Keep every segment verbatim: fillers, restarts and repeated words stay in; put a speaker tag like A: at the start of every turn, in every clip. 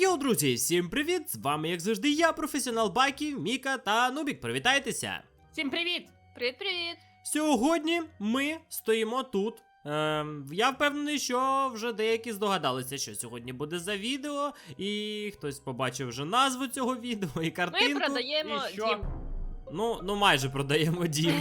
A: Йоу, друзі, всім привіт! З вами, як завжди, я, професіонал Бакі, Міка та Нубік. Привітайтеся!
B: Всім привіт!
C: Привіт-привіт!
A: Сьогодні ми стоїмо тут. Ем, я впевнений, що вже деякі здогадалися, що сьогодні буде за відео, і хтось побачив вже назву цього відео і картинку.
C: Ми продаємо
B: І що?
C: дім.
A: Ну, ну майже продаємо дім.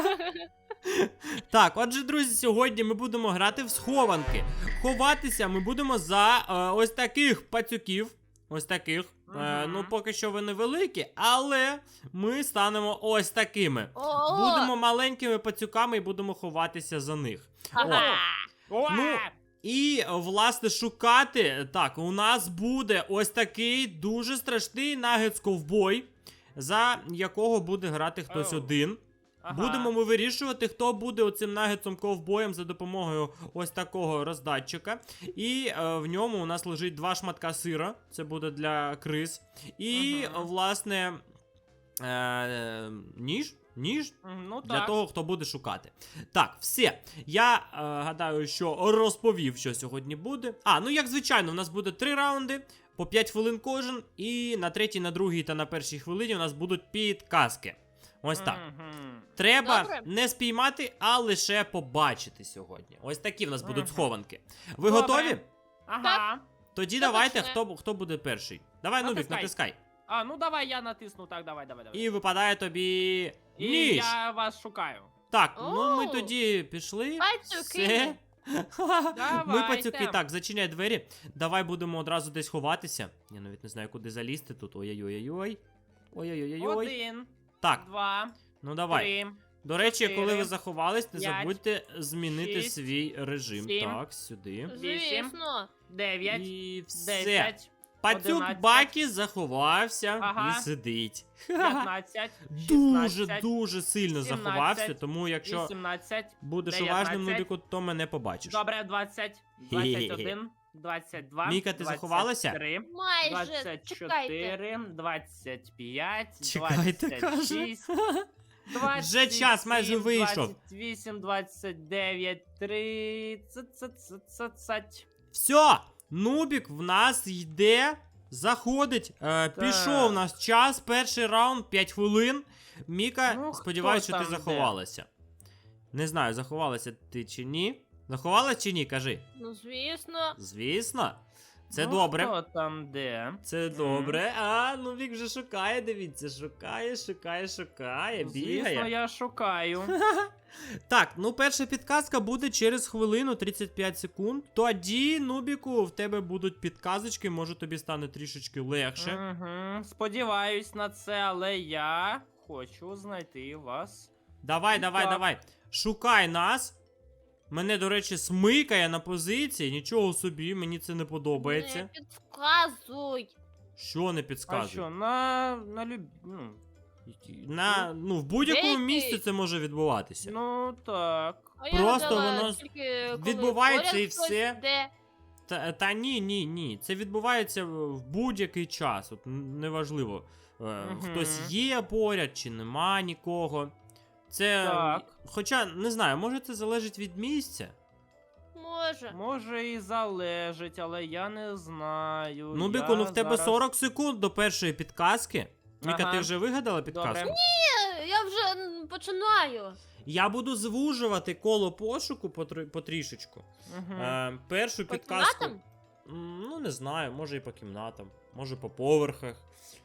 A: Так, отже, друзі, сьогодні ми будемо грати в схованки. Ховатися ми будемо за е, ось таких пацюків. Ось таких. Е, ну, поки що вони великі, але ми станемо ось такими.
C: О!
A: Будемо маленькими пацюками і будемо ховатися за них.
C: Ага.
B: О!
A: Ну, і, власне, шукати. Так, у нас буде ось такий дуже страшний нагетс-ковбой, за якого буде грати хтось
B: Оу.
A: один.
B: Ага.
A: Будемо ми вирішувати, хто буде оцим нагетсом ковбоєм за допомогою ось такого роздатчика. І е, в ньому у нас лежить два шматка сира. Це буде для криз. І,
B: Ага.
A: власне, е, ніж. Ніж
B: Ну
A: для
B: так.
A: того, хто буде шукати. Так, все. Я е, гадаю, що розповів, що сьогодні буде. А, ну як звичайно, у нас буде три раунди, по п'ять хвилин кожен. І на третій, на другій та на першій хвилині у нас будуть підказки. Ось так.
B: Мгм.
A: Треба
C: Добре.
A: не спіймати, а лише побачити сьогодні. Ось такі в нас будуть
B: Мгм.
A: схованки. Ви
B: Добре.
A: готові?
B: Ага.
A: Тоді
C: Хто
A: давайте,
C: почне?
A: хто, хто буде перший. Давай, Нубік,
B: Натискай.
A: натискай.
B: А, ну давай я натисну, так, давай, давай, давай.
A: І випадає тобі
B: І
A: ніж.
B: я вас шукаю.
A: Так, ну ми
C: Оу.
A: тоді пішли.
C: Пацюки.
A: Все. Ми
B: Давайте.
A: пацюки, так, зачиняй двері. Давай будемо одразу десь ховатися. Я навіть не знаю, куди залізти тут. Ой-ой-ой-ой. Ой-ой-ой-ой.
B: Один,
A: Так,
B: два,
A: ну давай.
B: три,
A: До речі, коли ви
B: чотири,
A: заховались, не
B: п'ять,
A: забудьте змінити
B: шість,
A: свій режим.
B: сім,
A: Так, сюди.
C: Звісно.
B: дев'ять,
A: І все.
B: десять,
A: Пацюк
B: одинадцять.
A: Бакі заховався
B: Ага.
A: і сидить.
B: п'ятнадцять,
A: Дуже,
B: шістнадцять,
A: дуже сильно
B: сімнадцять,
A: заховався, тому якщо
B: вісімнадцять.
A: будеш
B: дев'ятнадцять.
A: уважним, Нубіку, то мене побачиш.
B: Добре, двадцять, двадцять один, двадцять два,
A: Міка, ти заховалася?
B: двадцять три,
C: Майже.
B: двадцять
C: Чекайте.
B: чотири, двадцять п'ять,
A: Чекайте,
B: двадцять
A: каже.
B: шість, двадцять
A: Вже час майже
B: сім,
A: вийшов.
B: двадцять вісім, двадцять дев'ять, тридцять.
A: Все, Нубік в нас йде, заходить. Е, пішов у нас час, перший раунд, п'ять хвилин. Міка,
B: Ну,
A: сподіваюся,
B: хто
A: що ти
B: там
A: заховалася. Не знаю, заховалася ти чи ні. Заховалась чи ні, кажи.
C: Ну, звісно.
A: Звісно. Це
B: Ну,
A: добре.
B: Хто там де?
A: Це добре. А, Нубік вже шукає, дивіться, шукає, шукає, шукає, бігає.
B: Звісно, я шукаю.
A: Так, ну перша підказка буде через хвилину тридцять п'ять секунд. Тоді, Нубіку, в тебе будуть підказочки, може тобі стане трішечки легше.
B: Угу. Сподіваюсь на це, але я хочу знайти вас.
A: Давай, давай,
B: Так.
A: давай. Шукай нас. Мене, до речі, смикає на позиції. Нічого собі, мені це не подобається.
C: Не підказуй.
A: Що не
B: А
A: підказує?
B: що, на, на люб... ну,
A: На, ну, в будь-якому
C: Де ти?
A: місці це може відбуватися.
B: ну так.
C: А я
A: Просто
C: гадала,
A: воно
C: тільки коли
A: відбувається
C: поряд
A: і
C: хтось
A: все.
C: йде.
A: Та, та ні, ні, ні. Це відбувається в в будь-який час. От н- неважливо, е,
B: Мгм.
A: хтось є поряд чи нема нікого. Це.
B: Так.
A: Хоча, не знаю, може це залежить від місця.
C: Може.
B: Може і залежить, але я не знаю.
A: Ну,
B: я
A: Біку, ну в тебе
B: зараз...
A: сорок секунд до першої підказки. Міка,
B: Ага.
A: ти вже вигадала підказку?
B: Добре.
C: Ні, я вже м, починаю.
A: Я буду звужувати коло пошуку потр- потрішечку.
B: Угу.
A: Е, першу
C: По
A: підказку.
C: кімнатам?
A: М, Ну, не знаю, може і по кімнатам, може по поверхах.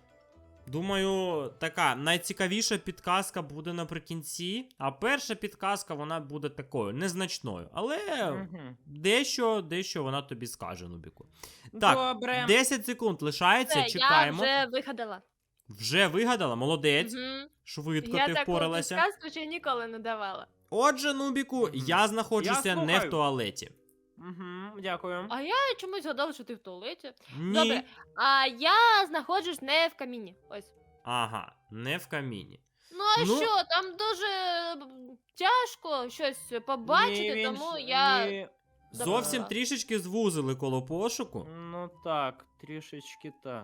A: Думаю, така найцікавіша підказка буде наприкінці, а перша підказка вона буде такою незначною. Але
B: Угу.
A: дещо, дещо вона тобі скаже, Нубіку. Так,
B: Добре.
A: десять секунд лишається,
C: Все,
A: чекаємо.
C: я вже вигадала.
A: Вже вигадала, молодець.
C: Мгм.
A: Швидко
C: Я
A: ти
C: таку
A: впоралася.
C: підказку ще ніколи не давала.
A: Отже, Нубіку,
B: Мгм.
A: я знаходжуся
B: Я
A: не в
B: слухаю.
A: туалеті.
B: Угу. Дякую.
C: А я чомусь згадала, що ти в туалеті.
A: Ні.
C: Добре. А я знаходжусь не в каміні. Ось.
A: Ага, не в каміні.
C: Ну а
A: Ну-
C: що, там дуже м, тяжко щось побачити,
B: Ні, він
C: тому
B: ж-
C: я.
B: ні.
A: Зовсім
C: Добре.
A: трішечки звузили коло пошуку.
B: Ну так, трішечки так.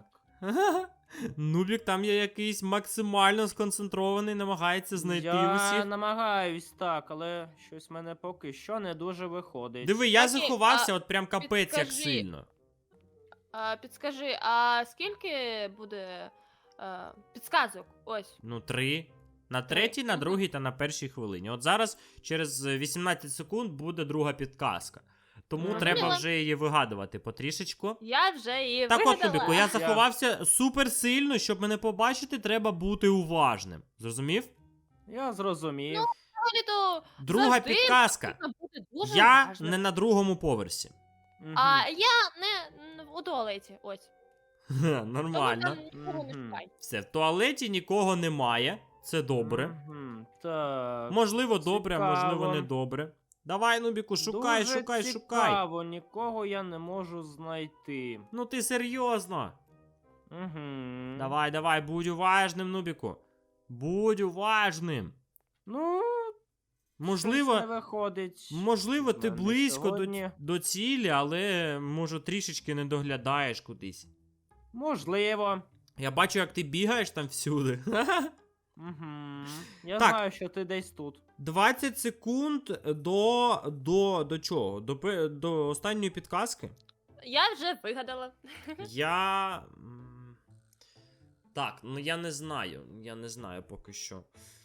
A: Нубік там є якийсь максимально сконцентрований, намагається знайти
B: я
A: усіх.
B: намагаюсь так, але щось в мене поки що не дуже виходить.
A: Диви, я
C: Окей,
A: заховався,
C: а
A: от прям капець як
C: підкажи.
A: сильно.
C: А, підскажи, а скільки буде а, підсказок? Ось.
A: Ну, три. На
C: Три.
A: третій, на
C: Мгм.
A: другій та на першій хвилині. От зараз через вісімнадцять секунд буде друга підказка. Тому
B: Мгм.
A: треба
C: Зрозуміла.
A: вже її вигадувати потрішечку.
C: Я вже її
A: Так от,
C: вигадала.
A: Нубіку, я заховався супер сильно, щоб мене побачити, треба бути уважним. Зрозумів?
B: Я зрозумів.
C: Взагалі-то
A: Друга
C: завжди
A: підказка.
C: потрібно бути дуже
A: Я
C: уважним.
A: не на другому поверсі.
B: Мгм.
C: А я не м, у туалеті, ось.
A: Ха,
C: Тому
A: Нормально.
C: там нікого не
B: Мгм.
C: шукай.
A: Все, в туалеті нікого немає. Це добре.
B: Мгм. Так.
A: Можливо, добре, а можливо,
B: Цікаво.
A: не добре. Давай, Нубіку, шукай,
B: Дуже
A: шукай, шукай.
B: цікаво, нікого я не можу знайти.
A: Ну ти серйозно.
B: Угу.
A: Давай, давай, будь уважним, Нубіку. Будь уважним.
B: Ну,
A: Можливо,
B: щось не виходить.
A: можливо,
B: в
A: ти
B: мене
A: близько до,
B: сьогодні.
A: до цілі, але може трішечки не доглядаєш кудись.
B: Можливо.
A: Я бачу, як ти бігаєш там всюди.
B: Угу. Я
A: Так.
B: знаю, що ти десь тут.
A: двадцять секунд до. до. до чого? До, пе- до останньої підказки.
C: Я вже вигадала.
A: Я. м, Так, ну я не знаю. Я не знаю поки що.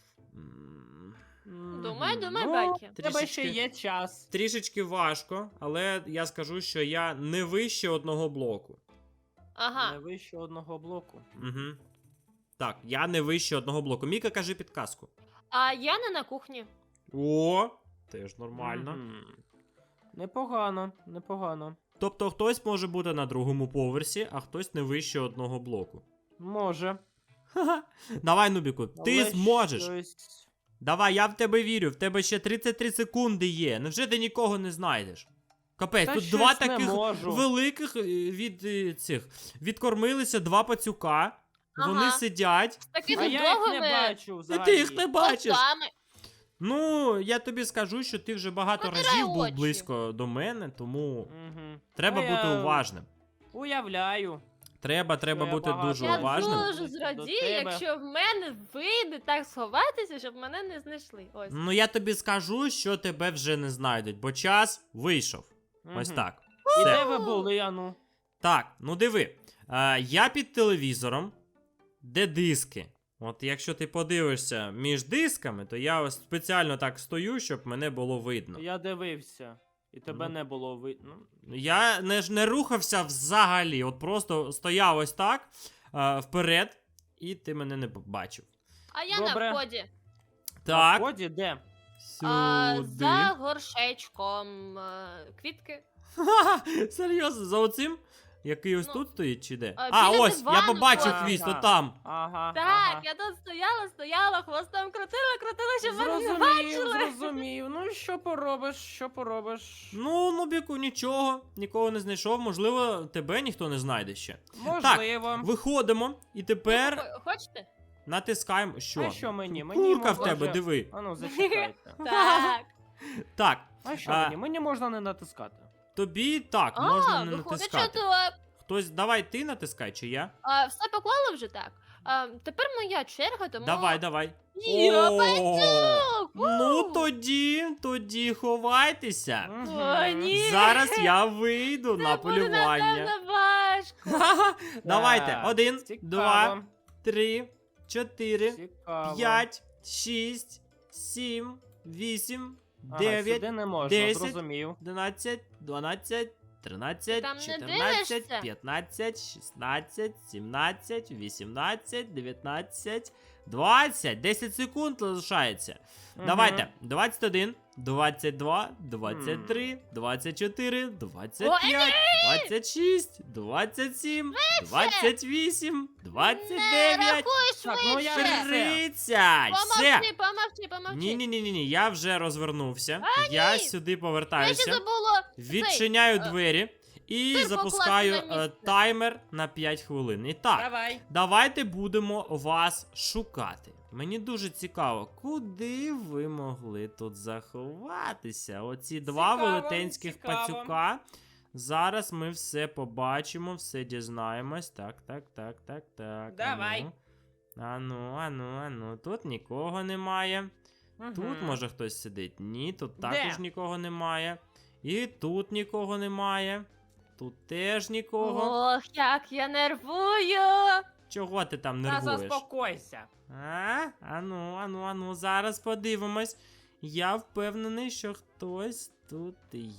A: М,
C: Думай,
B: Мгм.
C: думай,
B: ну,
C: Бакі.
B: в тебе ще
A: Трішечки.
B: є час.
A: Трішечки важко, але я скажу, що я не вище одного блоку.
C: Ага.
B: Не вище одного блоку.
A: Угу. Так, я не вище одного блоку. Міка, кажи підказку.
C: А я не на кухні.
A: О, теж нормально.
B: Мгм. Непогано, непогано.
A: Тобто хтось може бути на другому поверсі, а хтось не вище одного блоку.
B: Може.
A: Ха-ха. Давай, Нубіку, ти
B: але
A: зможеш.
B: щось-
A: Давай, я в тебе вірю, в тебе ще тридцять три секунди є. Невже ти нікого не знайдеш? Капець,
B: Та
A: тут
B: щось
A: два
B: не
A: таких
B: можу.
A: великих е, від е, цих. Відкормилися два пацюка. Вони
C: Ага.
A: сидять.
C: З такими
B: А я їх не
C: довгими
B: бачу
A: І
B: взагалі.
A: ти їх не бачиш.
C: очами.
A: Ну, я тобі скажу, що ти вже багато
C: Протирай
A: разів був
C: очі.
A: близько до мене, тому
B: Мгм.
A: треба
B: А
A: бути
B: я
A: уважним.
B: Уявляю.
A: Треба, треба
B: я
A: бути
B: багато
A: дуже
C: Я
A: уважним.
C: дуже
B: До
C: зрадію,
B: тебе.
C: якщо в мене вийде так сховатися, щоб мене не знайшли. Ось.
A: Ну, я тобі скажу, що тебе вже не знайдуть, бо час вийшов. Ось
B: Мгм.
A: так.
B: І
A: Все.
B: де ви були, ану?
A: Так, ну диви. Е, я під телевізором, де диски. От якщо ти подивишся між дисками, то я ось спеціально так стою, щоб мене було видно.
B: Я дивився. І тебе
A: Ну.
B: не було видно.
A: Я не, ж не рухався взагалі, от просто стояв ось так е, вперед, і ти мене не бачив.
C: А я
B: Добре.
C: на вході.
B: На
A: Так,
B: вході де?
C: А,
A: сюди.
C: за горшечком. е, Квітки.
A: Ха-ха, серйозно, за оцим? Який ось
C: Ну,
A: тут стоїть чи де?
C: а,
A: А,
C: біля
A: ось, я
C: дивану
A: побачив
B: ось.
A: хвіст,
B: Ага.
A: отам.
B: Ага.
C: Так,
B: ага.
C: я тут стояла, стояла, хвостом крутила, крутила, щоб мене не
B: Зрозумів,
C: бачили.
B: зрозумів. Ну що поробиш, що поробиш?
A: Ну, Нубіку, нічого, нікого не знайшов, можливо, тебе ніхто не знайде ще.
B: Можливо.
A: Виходимо, і тепер
C: Хо- Хочете?
A: натискаємо. Що?
B: А що мені? Мені
A: Курка в
B: можна
A: тебе,
B: вже-
A: диви.
B: Ану, зачекайте.
C: Так.
A: Так,
B: А що
A: А.
B: мені? Мені можна не натискати.
A: тобі так,
C: А,
A: можна не
C: виходить, що
A: натискати.
C: то
A: Хтось, давай ти натискай, чи я?
C: а, все поклали вже так. А, тепер моя черга, тому.
A: Давай, давай.
C: Я
A: О,
C: пацюк!
A: Ну
C: Ву!
A: тоді, тоді ховайтеся.
B: Мгм.
C: О, ні.
A: Зараз я вийду на
C: Це буде,
A: полювання.
C: напевно, важко.
A: Ха-ха. Давайте,
B: Так,
A: один,
B: цікаво,
A: два, три, чотири,
B: цікаво.
A: п'ять, шість, сім, вісім,
B: Ага,
A: дев'ять,
B: сюди не можна,
A: десять.
B: зрозумів.
A: одинадцять, дванадцять, тринадцять,
C: Там не
A: чотирнадцять,
C: дивишся?
A: п'ятнадцять, шістнадцять, сімнадцять, вісімнадцять, дев'ятнадцять, двадцять. десять секунд залишається.
B: Мгм.
A: Давайте. двадцять один, двадцять два, двадцять три, двадцять чотири, двадцять п'ять, двадцять шість, двадцять сім, двадцять вісім, двадцять
C: Не
A: дев'ять,
C: рахуй
B: Так, ну я
C: швидше.
B: вже-
A: тридцять. Все.
C: Помовчи, помовчи, помовчи.
A: Ні, ні, ні, ні, ні. Я вже розвернувся.
C: А,
A: я
C: ні.
A: сюди
C: Я ще
A: повертаюся.
C: забула.
A: Відчиняю
C: е,
A: двері і
C: сир
A: запускаю
C: покласти на
A: е,
C: місце.
A: таймер на п'ять хвилин. І так,
B: Давай.
A: давайте будемо вас шукати. Мені дуже цікаво, куди ви могли тут заховатися? Оці два
B: Цікаво,
A: велетенських
B: цікаво.
A: пацюка. Зараз ми все побачимо, все дізнаємось. Так, так, так, так, так.
B: Давай.
A: Ану, ану, ану, ану. Тут нікого немає. Тут
B: Мгм.
A: може хтось сидить. Ні, тут
B: Де?
A: також нікого немає. І тут нікого немає. тут теж нікого.
C: Ох, як я нервую!
A: Чого ти там
B: Та
A: нервуєш?
B: заспокойся.
A: А? Ану, ану, ану, зараз подивимось. Я впевнений, що хтось тут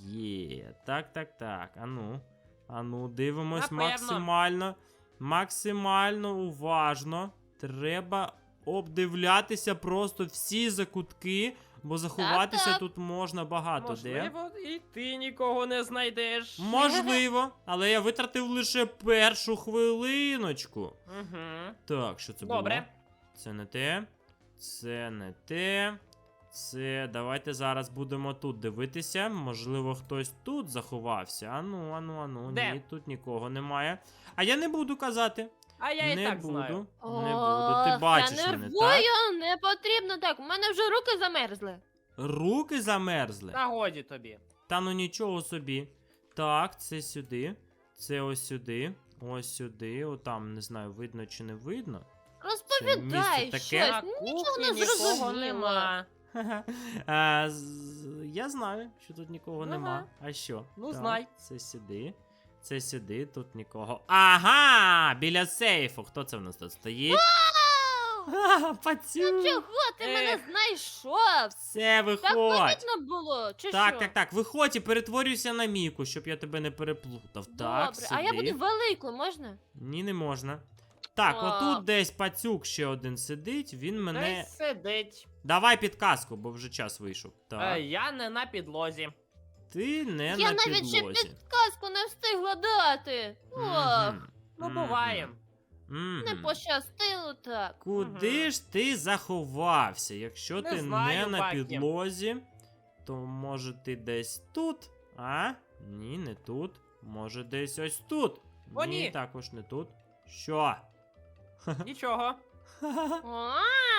A: є. Так, так, так. Ану. Ану, дивимось
B: Напевно.
A: максимально. Максимально уважно. Треба обдивлятися просто всі закутки, бо заховатися
C: Так-так.
A: тут можна багато де.
B: Можливо, і ти нікого не знайдеш.
A: Можливо, але я витратив лише першу хвилиночку.
B: Угу.
A: Так, що це
B: Добре.
A: було? Це не те. Це не те. Це. Давайте зараз будемо тут дивитися. Можливо, хтось тут заховався. Ану, ану, ану.
B: Де?
A: Ні, тут нікого немає. А я не буду казати.
B: А я
A: не
B: і так
A: буду.
B: знаю.
A: Не буду. Ти
C: Ох,
A: бачиш
C: я
A: мене,
C: нервую,
A: так?
C: не потрібно так. У мене вже руки замерзли.
A: Руки замерзли.
B: Та годі тобі.
A: Та ну нічого собі. Так, це сюди. Це ось сюди. Ось сюди. Отам, не знаю, видно чи не видно.
C: Розповідай
A: місце
C: щось.
A: таке?
B: На
C: Нічого
B: кухні
C: не
B: нікого
C: зрозуміло.
B: нема.
A: Ха-ха. А, з- я знаю, що тут нікого
B: Ага.
A: нема. А що?
B: Ну,
A: Так,
B: знай.
A: Це сюди. Це сюди, тут нікого. Ага! Біля сейфу. Хто це в нас тут стоїть?
C: Вау!
A: Ха, Пацю!
C: Чого ти мене
B: Ех.
C: знайшов?
A: Все,
C: Так
A: виходь.
C: помітно було, чи
A: Так,
C: що?
A: так, так, виходь і перетворюйся на Міку, щоб я тебе не переплутав. Так,
C: Добре, а я
A: сюди.
C: буду великою, можна?
A: Ні, не можна. Так,
C: А.
A: отут десь пацюк ще один сидить, він мене.
B: Десь сидить.
A: Давай підказку, бо вже час вийшов. Так.
B: Е, я не на підлозі.
A: Ти не
C: я
A: на
C: навіть ще
A: підлозі.
C: підказку не встигла дати. Ох,
A: Мгм.
B: Ну,
A: Мгм.
B: буває.
A: Мгм.
C: не пощастило так.
A: Куди
B: Мгм.
A: ж ти заховався? Якщо
B: Не
A: ти
B: знаю,
A: не на
B: Бакі.
A: підлозі, то може ти десь тут? А? Ні, не тут. Може десь ось тут.
B: О, ні.
A: також не тут. Що?
B: Нічого.
C: О,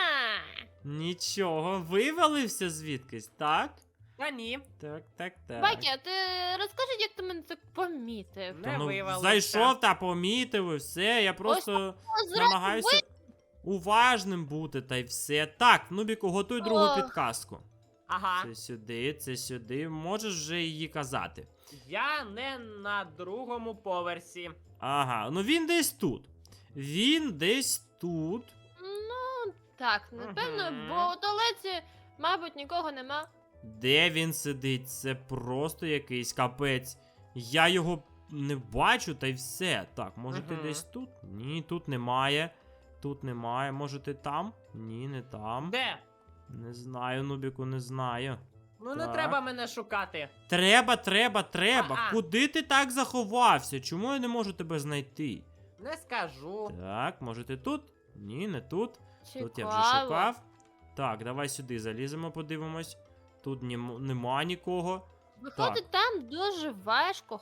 A: Нічого, вивалився звідкись, так?
B: Та ні.
A: Так, так, так.
C: Бакі, а ти розкажи, як ти мене так помітив?
B: Не
A: Та ну,
B: вивалився.
A: зайшов та помітив і все. Я просто
C: О, зразу
A: намагаюся уважним бути, та й все. Так, Нубіку, готуй другу
C: Ох.
A: підказку.
B: Ага.
A: Це сюди, це сюди. Можеш вже її казати.
B: Я не на другому поверсі.
A: Ага, ну він десь тут. Він десь тут.
C: Ну, так, напевно,
B: Мгм.
C: бо у туалеті, мабуть, нікого нема.
A: Де він сидить? Це просто якийсь капець. Я його не бачу, та й все. Так, може ти
B: Мгм.
A: десь тут? Ні, тут немає. Тут немає. Може ти там? Ні, не там.
B: Де?
A: Не знаю, Нубіку, не знаю.
B: Ну не
A: Так.
B: треба мене шукати.
A: Треба, треба, треба.
B: А-а.
A: Куди ти так заховався? Чому я не можу тебе знайти?
B: Не скажу.
A: Так, може ти тут? Ні, не тут.
C: Цікаво.
A: Тут я вже шукав. Так, давай сюди заліземо, подивимось. Тут німо- нема нікого.
C: Виходить, там дуже важко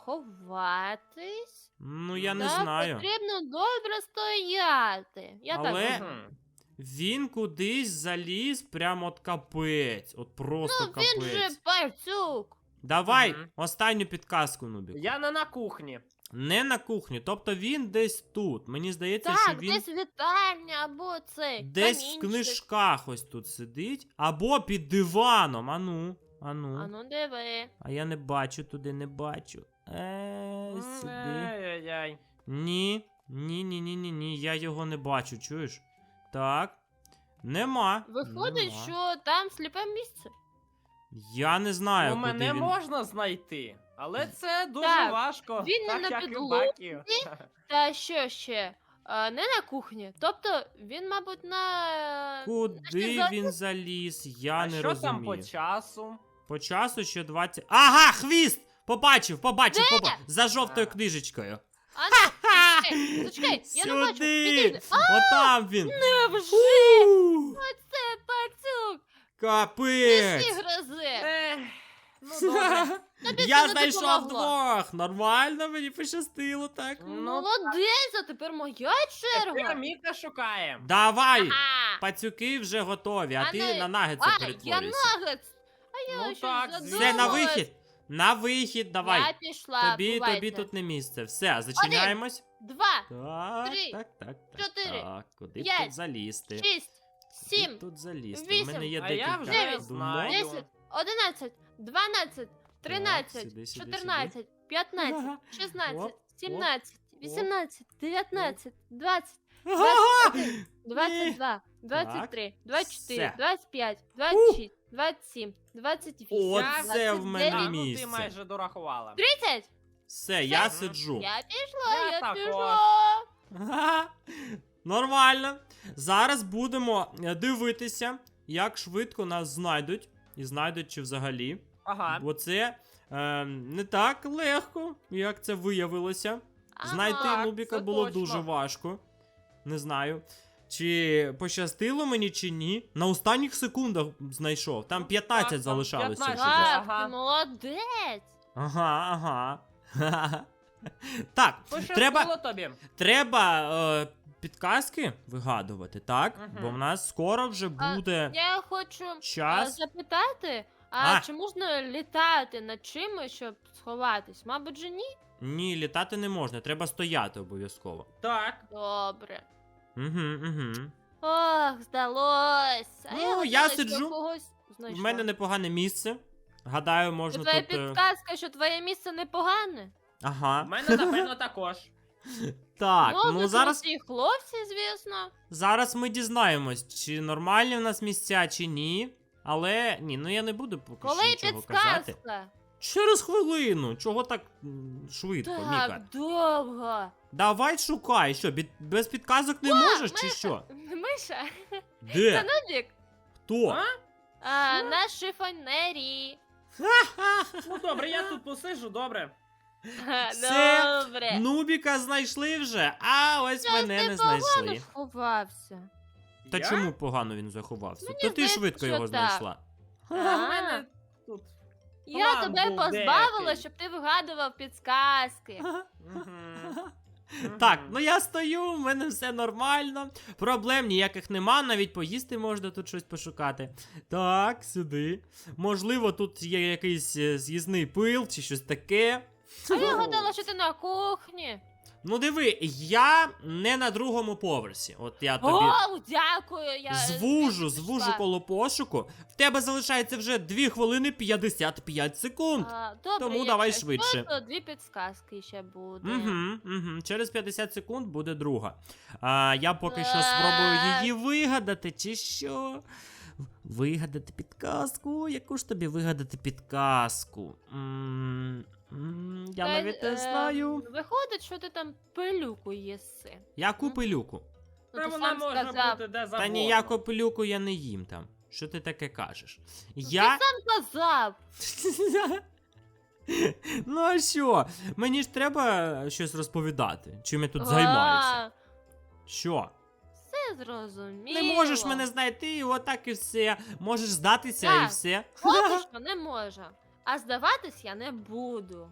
C: ховатись.
A: Ну, я не
C: Там
A: знаю.
C: потрібно добре стояти. Я
A: Але-
C: так
B: Мгм.
C: думаю.
A: Він кудись заліз прямо от капець. От просто
C: Ну,
A: капець.
C: він же пацюк.
A: Давай,
B: Мгм.
A: останню підказку, Нубік.
B: Я не на кухні.
A: Не на кухні, тобто він десь тут. Мені здається,
C: Так,
A: що він
C: десь вітальня або цей.
A: десь в
C: камінчик.
A: книжках ось тут сидить. Або під диваном. Ану, ану.
C: А ну диви.
A: А я не бачу туди, не бачу. Е,
B: М,
A: сюди.
B: Ай-яй-яй.
A: Ні. Ні, ні, ні, ні, ні. Я його не бачу, чуєш? Так. Нема.
C: Виходить,
A: Нема.
C: що там сліпе місце.
A: Я не знаю,
B: Ну,
A: куди
B: мене
A: він.
B: можна знайти, але це дуже
C: Так,
B: важко.
C: він не
B: так
C: на
B: як і
C: підлозі.
B: Бакі.
C: Та що ще? А, не на кухні. Тобто він, мабуть, на.
A: Куди
C: заліз?
A: він заліз? Я
B: А
A: не
B: що
A: розумію.
B: там по часу?
A: По часу ще двадцять. Ага, хвіст! Побачив, побачив,
C: Де?
A: побачив. За жовтою
B: А.
A: книжечкою.
C: А ну, зачекай, зачекай, я не бачу.
A: Сюди!
C: Підійди. А,
A: Отам він.
C: невже?
A: У,
C: Це пацюк. Всі
A: Капець!
C: грози.
B: Ех, ну добре.
C: Тобі
A: Я
C: це не
A: знайшов
C: допомогло.
A: двох. Нормально, мені пощастило, так.
B: Ну,
C: Молодець, а тепер моя
B: Тепер
C: черга.
B: Міка шукає.
A: Давай!
C: Ага.
A: Пацюки вже готові, а
C: А
A: ти
C: не-
A: на нагетса
C: А, я
A: перетворюйся.
C: нагетс. А я
B: Ну
C: щось
B: так,
C: задумалась.
A: Все, на вихід. На вихід, давай.
C: Я пішла,
A: Тобі,
C: бувайте.
A: тобі тут не місце. Все, зачиняємось.
C: Два,
A: Так,
C: три,
A: так, так, так.
C: чотири,
A: Так, куди б
C: п'ять,
A: тут залізти?
C: шість,
A: Куди б
C: сім,
A: тут залізти? У
C: вісім,
A: мене є
B: а я
A: декілька
B: вже
A: думок.
B: знаю.
C: десять, одинадцять, дванадцять, тринадцять,
A: сюди, сюди,
C: чотирнадцять, п'ятнадцять,
A: Оп,
C: шістнадцять, сімнадцять,
A: оп.
C: вісімнадцять, дев'ятнадцять, двадцять,
A: Ага!
C: двадцять два, двадцять три, двадцять чотири,
A: Все.
C: двадцять п'ять, двадцять шість, двадцять сім, двадцять вісім,
A: Оце в мене
B: Так, ну
A: місце.
B: ти майже дорахувала.
C: тридцять!
A: Все, я сиджу.
C: Я пішла,
B: Я
C: я
B: також.
C: пішла.
A: Ага. Нормально. Зараз будемо е, дивитися, як швидко нас знайдуть. І знайдуть чи взагалі.
B: Ага.
A: Бо це е, не так легко, як це виявилося. Знайти
C: Ага.
A: Нубіка
B: це
A: було
B: точно.
A: дуже важко. Не знаю. Чи пощастило мені, чи ні. На останніх секундах знайшов. Там п'ятнадцять
B: так, там
A: залишалося.
B: п'ятнадцять.
A: всього.
C: Так,
B: Ага.
C: ти молодець.
A: Ага, ага. Так,
B: Пощастило
A: треба,
B: тобі.
A: треба е, підказки вигадувати, так?
B: Мгм.
A: Бо в нас скоро вже
C: А,
A: буде
C: Я хочу е,
A: час.
C: запитати, а,
A: А.
C: чи можна літати над чимось, щоб сховатись? Мабуть же ні?
A: Ні, літати не можна, треба стояти обов'язково.
B: Так.
C: Добре.
A: Угу, угу.
C: Ох, здалось. А
A: Ну,
C: я,
A: я
C: гадала, що
A: сиджу.
C: когось
A: В
C: знайшла.
A: мене непогане місце. Гадаю,
C: Це
A: можна
C: твоя
A: тут. е,
C: підказка, що твоє місце непогане.
B: У
A: Ага.
B: мене, напевно, також.
A: Так,
C: ну,
A: ну
C: ви
A: зараз,
C: круті хлопці, звісно.
A: зараз ми дізнаємось, чи нормальні в нас місця, чи ні. Але ні, ну я не буду поки
C: Коли
A: що нічого казати.
C: підказка?
A: Через хвилину. Чого так м, швидко, Міка?
C: Так, довго.
A: Давай шукай, що, бід- без підказок не
C: О,
A: можеш, чи
C: Миша.
A: що?
C: Миша, це
A: Де?
C: Нубік.
A: Хто?
B: А?
C: А, на шифонері.
B: Ну добре, я тут посиджу, добре.
C: Ха,
A: Все.
C: Добре.
A: Нубіка знайшли вже, а ось
C: Щось
A: мене
C: ти
A: не
C: погано
A: знайшли.
C: сховався.
A: Та
B: Я?
A: чому погано він заховався?
C: Мені
A: То ти
C: здається,
A: швидко
C: що
A: його
C: так.
A: знайшла.
B: У
C: А.
B: мене тут.
C: Я
B: План
C: тебе
B: був
C: позбавила,
B: деякий.
C: щоб ти вигадував підсказки.
B: Мгм.
A: Так,
B: Мгм.
A: ну я стою, в мене все нормально. Проблем ніяких нема, навіть поїсти можна тут щось пошукати. Так, сюди. Можливо, тут є якийсь е, з'їзний пил чи щось таке.
C: А я гадала, що ти на кухні.
A: Ну диви, я не на другому поверсі. От я тобі
C: О, дякую. Я
A: звужу,
C: звідси
A: звужу
C: пішла.
A: коло пошуку. В тебе залишається вже дві хвилини п'ятдесят п'ять секунд.
C: А, добре,
A: Тому
C: якщо
A: давай
C: що,
A: швидше.
C: То дві підсказки ще буде.
A: Угу, угу. Через п'ятдесят секунд буде друга. А, я поки що
C: Так.
A: спробую її вигадати, чи що? Вигадати підказку? Яку ж тобі вигадати підказку? М, м, я
C: Та,
A: навіть не
C: е,
A: знаю.
C: Виходить, що ти там пилюку їси.
A: Яку пилюку?
C: Ну,
B: Та
C: ти
B: вона
C: сам
B: може
C: сказав.
B: бути де завгодно.
A: Та ніяку пилюку я не їм там. Що ти таке кажеш? Я.
C: Ти сам казав.
A: Ну а що? Мені ж треба щось розповідати. Чим я тут займаюся?
C: А,
A: Що?
C: Все зрозуміло.
A: Не можеш мене знайти, і отак і все. Можеш здатися і
C: Так.
A: все.
C: Поки що не можу. А здаватись я не буду.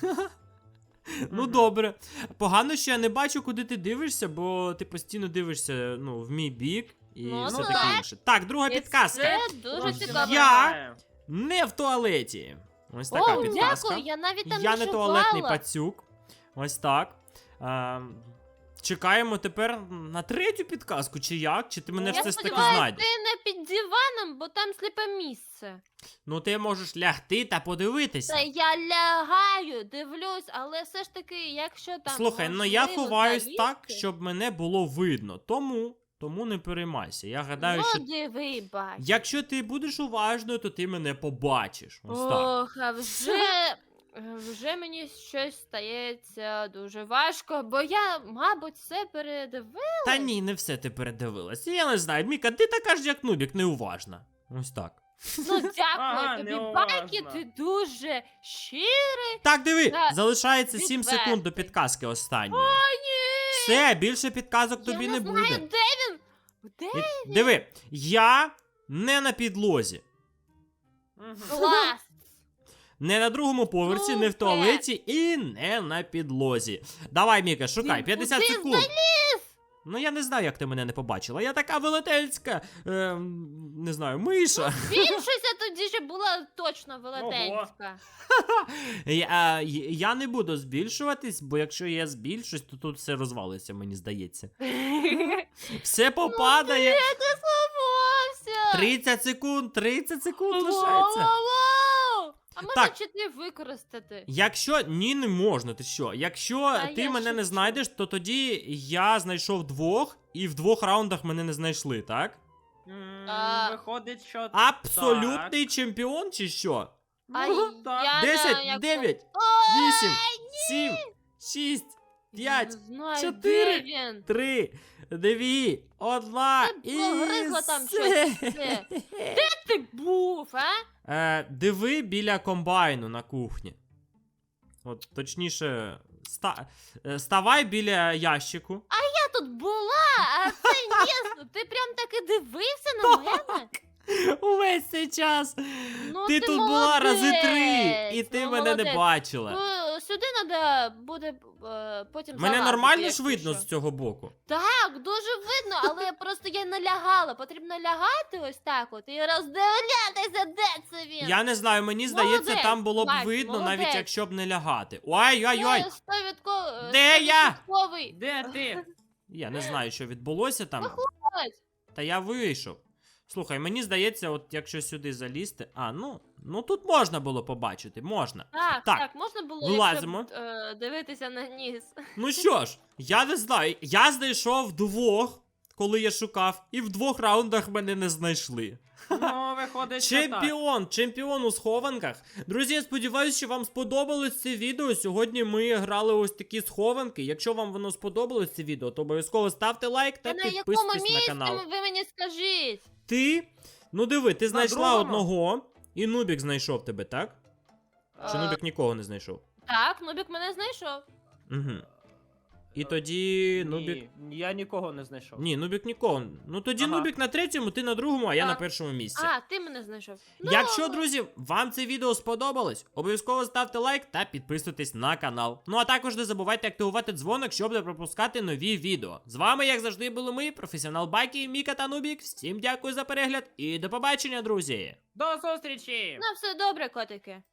A: Ну
B: Мгм.
A: добре. Погано, що я не бачу, куди ти дивишся, бо ти постійно дивишся ну, в мій бік і
C: Ну,
A: все
B: ну
A: таке
B: так.
A: інше. Так, друга
C: І
A: підказка.
C: Це дуже
B: Трошки
C: цікаво.
A: Я-
B: напрягає.
A: Не в туалеті. Ось така
C: О,
A: підказка.
C: дякую, я навіть там
A: Я
C: не
A: не туалетний
C: шукала.
A: пацюк. Ось так. А, чекаємо тепер на третю підказку, чи як? Чи ти мене
C: Я
A: все ж таки
C: сподіваюсь,
A: знайдеш?
C: ти не під диваном, бо там сліпе місце.
A: Ну ти можеш лягти та подивитися.
C: Та я лягаю, дивлюсь, але все ж таки, якщо там.
A: Слухай, ну я
C: можливо
A: ховаюсь
C: залізти,
A: так, щоб мене було видно. Тому, тому не переймайся. Я гадаю,
C: ну,
A: що
C: диви, бач.
A: якщо ти будеш уважною, то ти мене побачиш. Ось так.
C: Ох, а вже. Вже мені щось стається дуже важко, бо я, мабуть, все передивила.
A: Та ні, не все ти передивилася. Я не знаю, Міка, ти така ж як нубік, неуважна. Ось так.
C: Ну, дякую
B: Ага,
C: тобі,
B: неуважно.
C: Байки, ти дуже щирий.
A: Так, диви,
C: Та
A: залишається сім
C: відвертий.
A: секунд до підказки останньої.
C: О, ні!
A: Все, більше підказок тобі
C: я
A: не
C: не
A: буде.
C: знаю, де він? Де?
A: І- Диви, я не на підлозі.
B: Мгм.
C: Клас!
A: Не на другому поверсі, не в
C: Супер.
A: туалеті і не на підлозі. Давай, Міка, шукай,
C: Він
A: п'ятдесят
C: куди
A: секунд. Ну я не знаю, як ти мене не побачила. Я така велетенська, е, не знаю, миша.
C: Більшість тоді ще була точно велетенська.
A: Я, е, я не буду збільшуватись, бо якщо я збільшусь, то тут все розвалиться, мені здається. Все попадає.
C: Я не сховався!
A: тридцять секунд, тридцять секунд
C: Воу,
A: лишається.
C: воу, воу! А А можна
A: Так.
C: чити використати?
A: Якщо ні, не можна, ти що? Якщо
C: Та
A: ти
C: я
A: мене не
C: шучу.
A: знайдеш, то тоді я знайшов двох, і в двох раундах мене не знайшли, так?
B: М,
C: А.
B: Виходить, що
A: Абсолютний чемпіон чи що?
C: А
B: Ну, так.
C: я на
A: Десять,
C: яку-
A: дев'ять,
C: Ой,
A: вісім, сім, шість,
C: я
A: п'ять,
C: не знаю,
A: чотири.
C: де він?
A: три, дві, одна
C: Ти
A: і
C: погризла там
A: все.
C: щось. Де? Де ти був, а?
A: Е, диви біля комбайну на кухні. От, точніше, ста... е, ставай біля ящику.
C: Я тут була, а це ні, ти прям таки дивився на мене?
A: Увесь цей час.
C: Ну,
A: ти тут була рази три, і
C: молодець,
A: ти
C: ну,
A: мене не
C: молодець.
A: бачила.
C: Ну, сюди треба буде е, потім
A: Мене
C: залазити,
A: нормально ж
C: якщо
A: видно
C: що.
A: з цього боку.
C: Так, дуже видно, але просто я налягала. Потрібно лягати ось так от і роздивлятися, де це він.
A: Я не знаю, мені здається,
C: Молодець,
A: там було б
C: Макс,
A: видно, навіть
C: молодець.
A: якщо б не лягати. Ой-ой-ой!
C: Це стовідко-
A: Де я?
C: стовідсотковий.
B: Де ти?
A: Я не знаю, що відбулося там.
C: Ось.
A: Та я вийшов. Слухай, мені здається, от якщо сюди залізти. А, ну, ну тут можна було побачити, можна.
C: Так,
A: Так,
C: так, можна було
A: вилазимо.
C: якщо б, е, дивитися на ніс.
A: Ну що ж, я не знаю. Я знайшов двох, коли я шукав, і в двох раундах мене не знайшли.
B: Ну, виходить, що так.
A: Чемпіон, чемпіон у схованках. Друзі, я сподіваюся, що вам сподобалось це відео. Сьогодні ми грали ось такі схованки. Якщо вам воно сподобалось це відео, то обов'язково ставте лайк та
C: Та на якому
A: підписуйтесь на
C: місці
A: канал.
C: ви мені скажіть?
A: Ти? Ну диви, ти знайшла
B: другому?
A: одного, і Нубік знайшов тебе, так? Чи
C: Е,
A: Нубік нікого не знайшов?
C: Так, Нубік мене знайшов.
A: Угу. І тоді Нубік.
B: Ні, я нікого не знайшов.
A: Ні, Нубік нікого. Ну тоді
B: Ага.
A: Нубік на третьому, ти на другому, а я
C: А.
A: на першому місці.
C: А, ти мене знайшов. Ну,
A: Якщо, друзі, вам це відео сподобалось, обов'язково ставте лайк та підписуйтесь на канал. Ну а також не забувайте активувати дзвоник, щоб не пропускати нові відео. З вами, як завжди, були ми, професіонал Бакі, Міка та Нубік. Всім дякую за перегляд і до побачення, друзі!
B: До зустрічі!
C: Ну, все добре, котики.